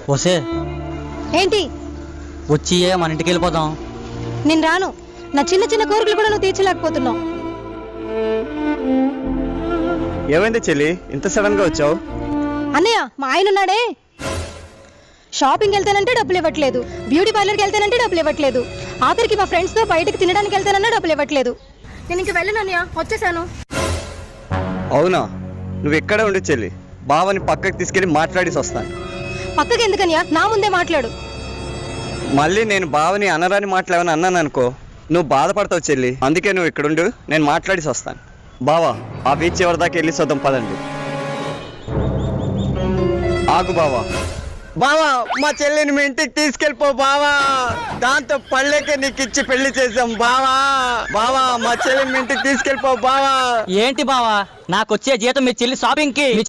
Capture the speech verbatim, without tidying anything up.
వసే ఏంటి? వచ్చి మన ఇంటికి వెళ్ళిపోదాం. నేను రాను. నా చిన్న చిన్న కోరికలు కూడా నువ్వు తీర్చలేకపోతున్నావు. ఏమైంది చెల్లి, ఇంత సడన్ గా వచ్చావు? అన్నయ్య, మా ఆయన ఉన్నాడే, షాపింగ్ వెళ్తానంటే డబ్బులు ఇవ్వట్లేదు, బ్యూటీ పార్లర్కి వెళ్తానంటే డబ్బులు ఇవ్వట్లేదు, ఆఖరికి మా ఫ్రెండ్స్తో బయటకు తినడానికి వెళ్తానన్నా డబ్బులు ఇవ్వట్లేదు. నేను ఇంక వెళ్ళను అన్నయ్య, వచ్చేసాను. అవునా? నువ్వు ఎక్కడ ఉండు చెల్లి, బావని పక్కకి తీసుకెళ్ళి మాట్లాడేసి వస్తాను. పక్కకి ఎందుకన్నయ్య, నా ముందే మాట్లాడు. మళ్ళీ నేను బావని అనరాని మాట్లాడని అన్నాను అనుకో, నువ్వు బాధపడతావు చెల్లి. అందుకే నువ్వు ఇక్కడ ఉండు, నేను మాట్లాడేసి వస్తాను. బావా, ఆ బీచ్ ఎవరి దాకా వెళ్ళి చూద్దాం పదండి. ఆగు బావా. బావా, మా చెల్లిని మీ ఇంటికి తీసుకెళ్ళిపో బావా, దాంతో పళ్ళేకే నీకు ఇచ్చి పెళ్లి చేసాం బావా. బావా, మా చెల్లిని మీ ఇంటికి తీసుకెళ్ళిపో బావా. ఏంటి బావా, నాకు వచ్చే జీతం మీ చెల్లి షాపింగ్ కి